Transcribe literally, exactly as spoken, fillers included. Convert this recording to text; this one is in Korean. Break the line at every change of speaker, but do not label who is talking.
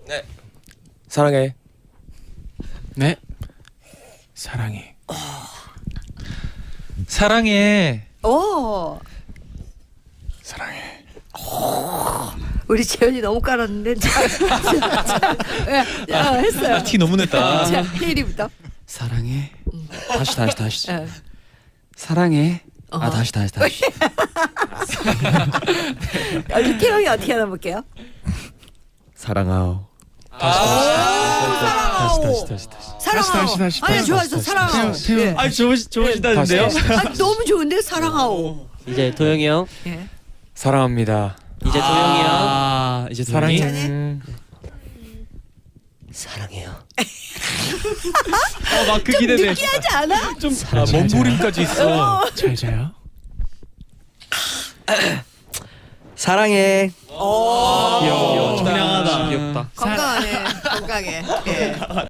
네. 사랑해.
네. 사랑해. 사랑해.
오.
사랑해.
우리 재현이 너무 깔았는데. 자, 자, 자, 자, 어, 했어요.
티 너무 냈다.
자, 혜리부터.
사랑해. 다시 다시 다시.
어.
사랑해. 아
어허.
다시 다시 다시.
우리 태영이 어떻게 하나 볼게요.
사랑하오.
다시
사랑하오.
다시 다시 다시.
사랑하오.
다시, 다시, 다시,
아니
다시,
좋았어.
다시,
사랑하오.
다시. 태영, 태영.
예.
아 좋으시 좋으시다는데요?
다시,
아, 너무 좋은데 사랑하오.
이제 도영이 형.
예.
사랑합니다.
이제 도영이 형.
아 이제
사랑해.
사랑해.
음.
사랑해요.
아막그 기대돼.
느끼하지 않아?
좀 아, 몸부림까지 있어. 잘 자요.
사랑해.
귀여워.
청량하다.
귀엽다.
건강하네. 건강해. 예.